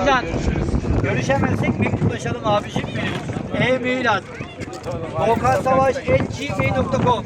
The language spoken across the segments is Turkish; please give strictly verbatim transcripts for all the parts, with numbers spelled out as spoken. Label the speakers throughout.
Speaker 1: Özcan. Görüşemezsek mektuplaşalım abicim benim. E-mail at. Doğukan Savaş at gmail nokta com.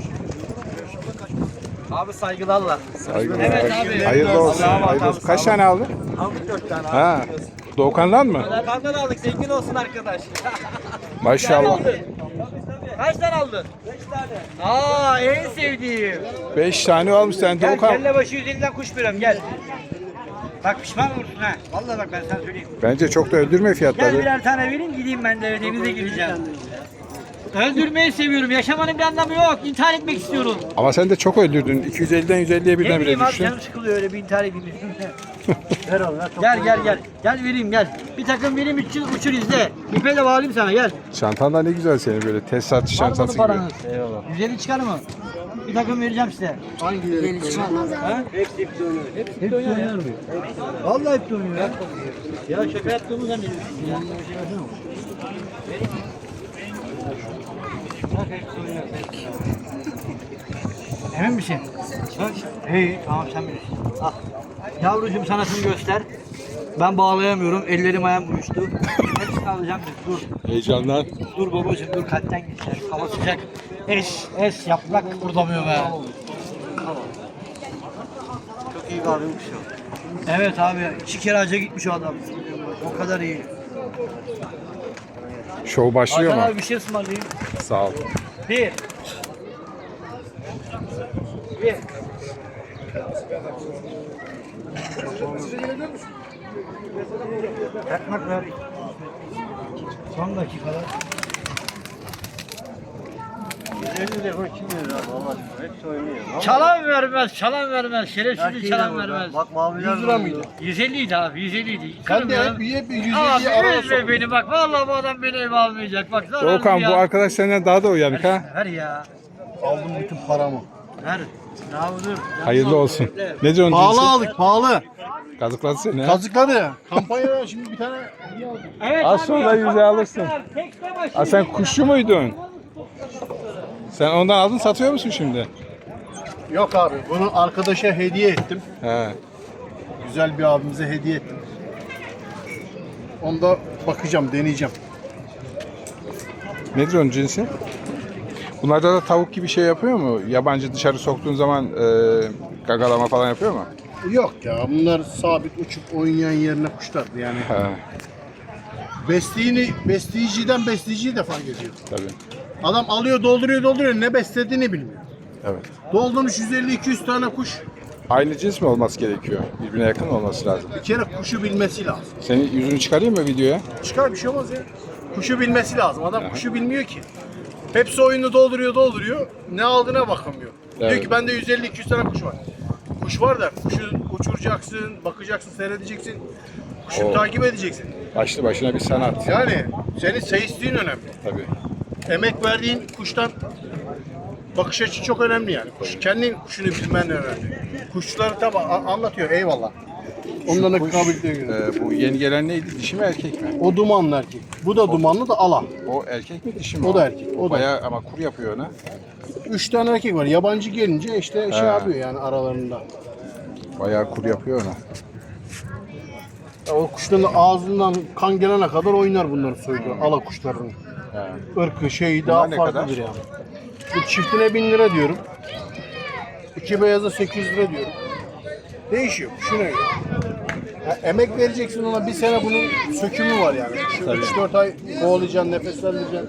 Speaker 1: Abi saygılarla.
Speaker 2: Saygılar.
Speaker 1: Evet abi.
Speaker 2: Hayırlı olsun.
Speaker 1: Allah'a emanet
Speaker 2: Hayırlı olsun.
Speaker 1: abi,
Speaker 2: Kaç
Speaker 1: sağ ol.
Speaker 2: tane aldın?
Speaker 1: Aldık dört tane abi.
Speaker 2: Ha. Doğukan'dan mı?
Speaker 1: Kandan aldık, zengin olsun arkadaş.
Speaker 2: Maşallah.
Speaker 1: Kaç tane aldın? Beş tane. Aa, en sevdiğim.
Speaker 2: Beş tane almış sen
Speaker 1: Gel,
Speaker 2: Doğukan.
Speaker 1: kelle başı yüz elliden kuş veriyorum, gel. Bak pişman olursun ha. Vallahi bak ben sana söyleyeyim.
Speaker 2: Bence çok da öldürme
Speaker 1: Gel
Speaker 2: fiyatları.
Speaker 1: birer tane vereyim, gideyim ben de denize gireceğim. Öldürmeyi seviyorum. Yaşamanın bir anlamı yok. İntihar etmek istiyorum.
Speaker 2: Ama sen de çok öldürdün. iki yüz elliden yüz elliye
Speaker 1: Ne
Speaker 2: birden bile
Speaker 1: bileyim abi,
Speaker 2: düştün.
Speaker 1: canım sıkılıyor öyle bir intihar edeyim. Ver oğlum, ver. Gel gel gel. Gel vereyim gel. Bir takım vereyim, üç yıl uçur izle. İpe de bağlayayım sana, gel.
Speaker 2: Çantan da ne güzel senin böyle tesisatçı çantası gibi.
Speaker 1: paranız. Eyvallah. yüz elli çıkar mı? Bir takım vereceğim size.
Speaker 3: Hangileri çıkmaz?
Speaker 1: Ha? Hepsi hepsi oynuyor. Hepsi oynuyor ya. Vallahi hepsi oynuyor ya. Ya şaka yaptığımı zannediyorsun ya. Bir şey versene. Bak hepsi oynuyor. Emin misin? Bak. Hey, tamam sen bilirsin. Al. Yavrucuğum sanatını göster. Ben bağlayamıyorum. Ellerim ayağım uyuştu. Hepsini alacağım. Dur.
Speaker 2: Heyecandan.
Speaker 1: Dur babacığım dur, kalpten geçer. Hava sıcak. Es, es yaprak kurdamıyor be.
Speaker 3: Çok iyi bir abimmiş o.
Speaker 1: Evet abi, iki kere hacca gitmiş o adam. O kadar iyi.
Speaker 2: Şov başlıyor
Speaker 1: Hakan
Speaker 2: mu?
Speaker 1: abi bir şey ısmarlayayım.
Speaker 2: Sağ ol.
Speaker 1: Bir. Bir. Yakmak ver. Son dakikada.
Speaker 3: elli lira kim verir abi Allah aşkına? Hepsi oynuyor.
Speaker 1: Çalan vermez, çalan vermez. Şerefsiz çalan vermez.
Speaker 3: Bak maviler
Speaker 4: yüz lira mıydı?
Speaker 1: yüz elli idi abi, yüz elli idi.
Speaker 4: Sen de hep,
Speaker 1: Kırmıyorum.
Speaker 4: hep yüz
Speaker 1: Abi
Speaker 4: elliye arada
Speaker 1: üzme
Speaker 4: sok.
Speaker 1: beni bak. Vallahi bu adam beni eve almayacak. Bak zararlı
Speaker 2: Doğukan
Speaker 1: ya.
Speaker 2: bu arkadaş senden daha da uyanık ha.
Speaker 1: Ver ya.
Speaker 4: Aldım bütün paramı.
Speaker 1: Ver. Ya dur.
Speaker 2: Hayırlı olsun. Ne diyorsun
Speaker 4: Pahalı
Speaker 2: cinsi?
Speaker 4: aldık, pahalı.
Speaker 2: Kazıkladı seni ha.
Speaker 4: Kazıkladı. Kampanyada şimdi bir tane
Speaker 1: Evet,
Speaker 2: Az
Speaker 1: abi,
Speaker 2: sonra yüze alırsın.
Speaker 1: tekne başı.
Speaker 2: Ha sen kuşçu muydun? Sen ondan aldın satıyor musun şimdi?
Speaker 4: yok abi. Bunu arkadaşa hediye ettim.
Speaker 2: He.
Speaker 4: Güzel bir abimize hediye ettim. Onda bakacağım, deneyeceğim.
Speaker 2: Nedir onun cinsi? Bunlarda da tavuk gibi şey yapıyor mu? Yabancı dışarı soktuğun zaman e, gagalama falan yapıyor mu?
Speaker 4: Yok ya, bunlar sabit uçup oynayan yerine kuşlardı yani.
Speaker 2: He.
Speaker 4: Besleyici, besleyiciden besleyiciyi de fark ediyor.
Speaker 2: Tabii.
Speaker 4: Adam alıyor, dolduruyor, dolduruyor. Ne beslediğini bilmiyor.
Speaker 2: Evet.
Speaker 4: Doldurmuş yüz elli iki yüz tane kuş.
Speaker 2: Aynı cins mi olması gerekiyor? Birbirine yakın olması lazım.
Speaker 4: Bir kere kuşu bilmesi lazım.
Speaker 2: Senin yüzünü çıkarayım mı videoya?
Speaker 4: Çıkar bir şey olmaz ya. Kuşu bilmesi lazım. Adam kuşu bilmiyor ki. Hepsi oyunu dolduruyor dolduruyor. Ne aldığına bakamıyor. Diyor
Speaker 2: Evet.
Speaker 4: ki bende yüz elli iki yüz tane kuş var. Kuş var da kuşu uçuracaksın, bakacaksın, seyredeceksin. Kuşu
Speaker 2: Oo.
Speaker 4: takip edeceksin.
Speaker 2: Başlı başına bir sanat.
Speaker 4: Yani senin seyisliğin önemli.
Speaker 2: Tabii.
Speaker 4: Emek verdiğin kuştan bakış açı çok önemli yani. Kuş, kendin kuşunu bilmen önemli. Kuşçuları tabi anlatıyor, eyvallah. Ondan da
Speaker 2: Kuş,
Speaker 4: kabiliyete göre.
Speaker 2: e, bu yeni gelen neydi? Dişi mi erkek mi?
Speaker 4: O dumanlı erkek. Bu da dumanlı da ala.
Speaker 2: O erkek mi dişi mi?
Speaker 4: O da erkek, o da.
Speaker 2: Bayağı ama kur yapıyor ona.
Speaker 4: Üç tane erkek var. Yabancı gelince işte şey
Speaker 2: He.
Speaker 4: yapıyor yani aralarında.
Speaker 2: Bayağı kur yapıyor ona.
Speaker 4: Ya o kuşların ağzından kan gelene kadar oynar bunları soyuyor. Ala kuşlarının.
Speaker 2: He.
Speaker 4: Irkı şeyi
Speaker 2: Bunlar
Speaker 4: daha
Speaker 2: ne
Speaker 4: farklıdır
Speaker 2: kadar?
Speaker 4: yani. Bu çiftine bin lira diyorum. İki beyaza sekiz yüz lira diyorum. Değişiyor. Kuşuna göre. Ya emek vereceksin ona, bir sene bunun sökümü var yani. Şu üç dört ay kovalayacaksın, nefeslendireceksin.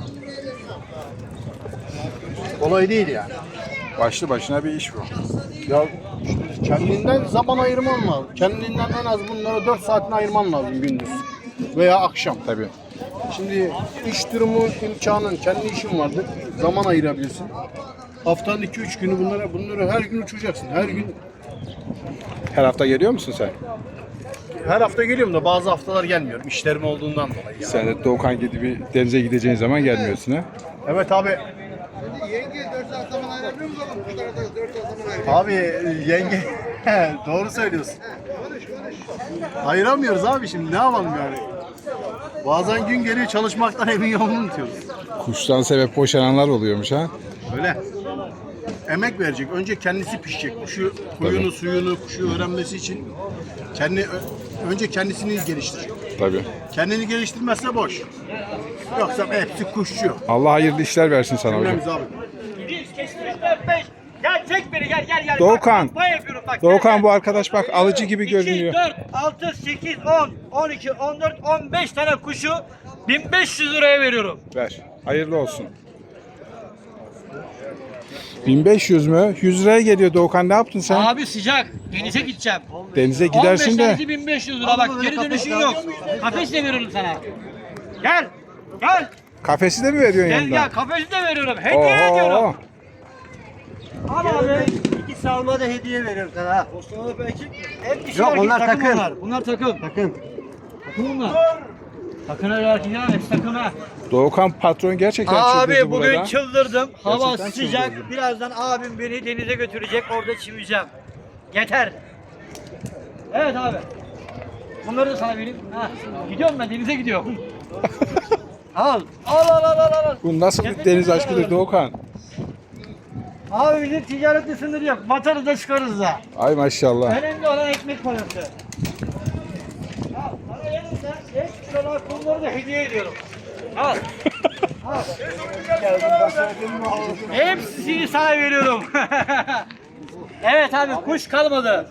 Speaker 4: Kolay değil yani.
Speaker 2: Başlı başına bir iş bu.
Speaker 4: Ya işte kendinden zaman ayırman lazım. Kendinden en az bunlara dört saatini ayırman lazım gündüz veya akşam.
Speaker 2: Tabii.
Speaker 4: Şimdi iş durumu imkanın, kendi işin vardır. Zaman ayırabilirsin. Haftanın iki üç günü bunlara bunları her gün uçuracaksın. Her gün
Speaker 2: Her hafta geliyor musun sen?
Speaker 4: her hafta geliyorum da bazı haftalar gelmiyorum. İşlerim olduğundan dolayı. Yani.
Speaker 2: Sen de Doğukan gibi bir denize gideceğin zaman gelmiyorsun ha?
Speaker 4: Evet abi.
Speaker 3: Yenge dört saat zaman ayırabiliyor musun oğlum? Kuşlara da dört saat zaman ayırabiliyor
Speaker 4: Abi yenge doğru söylüyorsun. Ayıramıyoruz abi şimdi, ne yapalım yani. Bazen gün geliyor çalışmaktan evin yolunu unutuyoruz.
Speaker 2: Kuştan sebep boşananlar oluyormuş ha?
Speaker 4: Öyle. Emek verecek. Önce kendisi pişecek. Kuşu, huyunu,
Speaker 2: Tabii.
Speaker 4: suyunu, kuşu öğrenmesi için kendi ö- önce kendisini geliştirecek.
Speaker 2: Tabii.
Speaker 4: Kendini geliştirmezse boş. Yoksa hepsi kuşçu.
Speaker 2: Allah hayırlı işler versin sana hocam.
Speaker 4: Cümlemiz abi.
Speaker 1: Bir, kesinlikle dört, beş. Gel çek beni gel gel gel.
Speaker 2: Doğukan.
Speaker 1: Bak, bak, yapıyorum, bak,
Speaker 2: Doğukan
Speaker 1: gel,
Speaker 2: bu
Speaker 1: gel.
Speaker 2: arkadaş bak alıcı gibi
Speaker 1: iki,
Speaker 2: görünüyor.
Speaker 1: dört, altı, sekiz, on, on iki, on dört, on beş tane kuşu bin beş yüz liraya veriyorum.
Speaker 2: Ver. Hayırlı olsun. bin beş yüz mü? yüz liraya geliyor Doğukan, ne yaptın sen?
Speaker 1: Abi sıcak. Denize gideceğim.
Speaker 2: Denize gidersin
Speaker 1: on beş
Speaker 2: de.
Speaker 1: tanesi bin beş yüz lira bak, geri dönüşün yok. Kafes de veriyorum sana. Gel. Gel.
Speaker 2: Kafesi de mi veriyorsun
Speaker 1: Gel
Speaker 2: yanında?
Speaker 1: gel, kafesi de veriyorum. Hediye ediyorum.
Speaker 2: Oho.
Speaker 1: Al abi.
Speaker 3: İki salma da hediye veriyorum sana ha.
Speaker 1: Hep dişi
Speaker 3: Yok,
Speaker 1: erkek,
Speaker 3: onlar takım.
Speaker 1: Bunlar. bunlar takım.
Speaker 3: Takım.
Speaker 1: Takım bunlar. Takım erkekler hepsi takım ha.
Speaker 2: Doğukan patron gerçekten
Speaker 1: Abi
Speaker 2: çıldırdı
Speaker 1: bugün
Speaker 2: burada.
Speaker 1: çıldırdım. Hava
Speaker 2: Gerçekten
Speaker 1: sıcak.
Speaker 2: çıldırdım.
Speaker 1: Birazdan abim beni denize götürecek. Orada çimeceğim. Yeter. Evet abi. Bunları da sana vereyim. Ha. Gidiyorum ben, denize gidiyorum. Al. Al al al al al.
Speaker 2: Bu nasıl bir deniz aşkıdır Doğukan?
Speaker 1: Abi bizim ticaretli sınırı yok. Batarız da çıkarız da.
Speaker 2: Ay maşallah.
Speaker 1: Önemli olan ekmek parası. Al. Sana yanımda beş kilolar kumları da hediye ediyorum. Al. Al. Hepsini sana veriyorum. Evet abi, kuş kalmadı.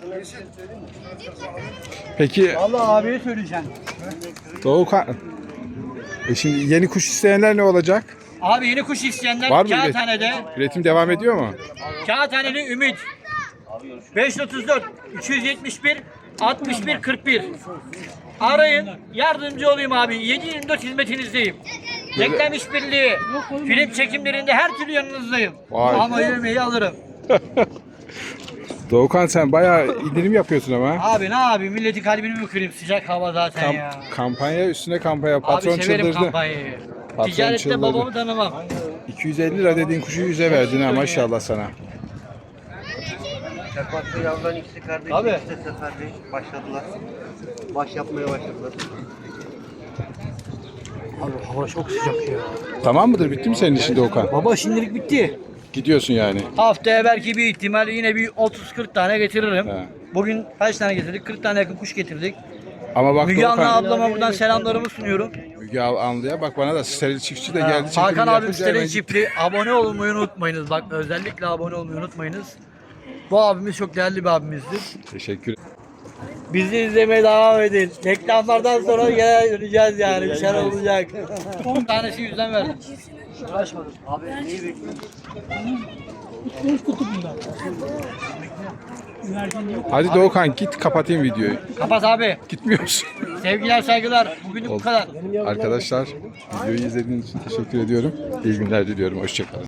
Speaker 2: Peki
Speaker 1: Vallahi abiye söyleyeceğim.
Speaker 2: Doğukan, e şimdi yeni kuş isteyenler ne olacak?
Speaker 1: Abi yeni kuş isteyenler
Speaker 2: Var mı üretim?
Speaker 1: Kağıthane'de.
Speaker 2: Üretim devam ediyor mu?
Speaker 1: Kağıthaneli Ümit. beş otuz dört üç yüz yetmiş bir altmış bir kırk bir. Arayın, yardımcı olayım abi. yedi yirmi dört hizmetinizdeyim. Reklam işbirliği, film çekimlerinde her türlü yanınızdayım.
Speaker 2: Vay.
Speaker 1: Ama yemeği alırım.
Speaker 2: Doğukan sen bayağı indirim yapıyorsun ama.
Speaker 1: Abi ne abi, milletin kalbini mi kırayım, sıcak hava zaten
Speaker 2: Kam-
Speaker 1: ya.
Speaker 2: kampanya üstüne kampanya. Patron
Speaker 1: Abi severim
Speaker 2: çıldırdı.
Speaker 1: kampanyayı.
Speaker 2: Patron
Speaker 1: Ticarette
Speaker 2: çıldırdı.
Speaker 1: babamı tanımam.
Speaker 2: iki yüz elli lira dediğin kuşu yüze verdin ha, maşallah sana.
Speaker 3: Çakmaklı yavruların ikisi kardeş,
Speaker 1: Abi.
Speaker 3: ikisi de kardeş. Başladılar. Baş yapmaya başladılar.
Speaker 1: Abi hava çok sıcak ya.
Speaker 2: Tamam mıdır? Bitti mi senin işin Doğukan?
Speaker 1: Baba şimdilik bitti.
Speaker 2: Gidiyorsun yani.
Speaker 1: Haftaya belki bir ihtimal yine bir otuz kırk tane getiririm.
Speaker 2: He.
Speaker 1: Bugün kaç tane getirdik? kırk tane yakın kuş getirdik.
Speaker 2: Ama bak
Speaker 1: Müge Anlı
Speaker 2: Doğukan,
Speaker 1: ablama buradan selamlarımı sunuyorum.
Speaker 2: Müge Anlı'ya bak, bana da steril çiftçi de geldi.
Speaker 1: Hakan
Speaker 2: çekimini
Speaker 1: abim
Speaker 2: yapınca
Speaker 1: Steril
Speaker 2: hemen-
Speaker 1: çiftli. Abone olmayı unutmayınız. Bak özellikle abone olmayı unutmayınız. Bu abimiz çok değerli bir abimizdir.
Speaker 2: Teşekkür
Speaker 1: Bizi izlemeye devam edin. Reklamlardan sonra gene döneceğiz yani. Bir şeyler olacak. on tanesi yüzden verdim. Uğraşmadım.
Speaker 3: Abi neyi bekliyorsun?
Speaker 2: Hadi Doğukan git, kapatayım videoyu.
Speaker 1: Kapat abi.
Speaker 2: Gitmiyorsun.
Speaker 1: Sevgiler saygılar. Bugünlük bu kadar.
Speaker 2: Arkadaşlar videoyu izlediğiniz için teşekkür ediyorum. İyi günler diliyorum. Hoşçakalın.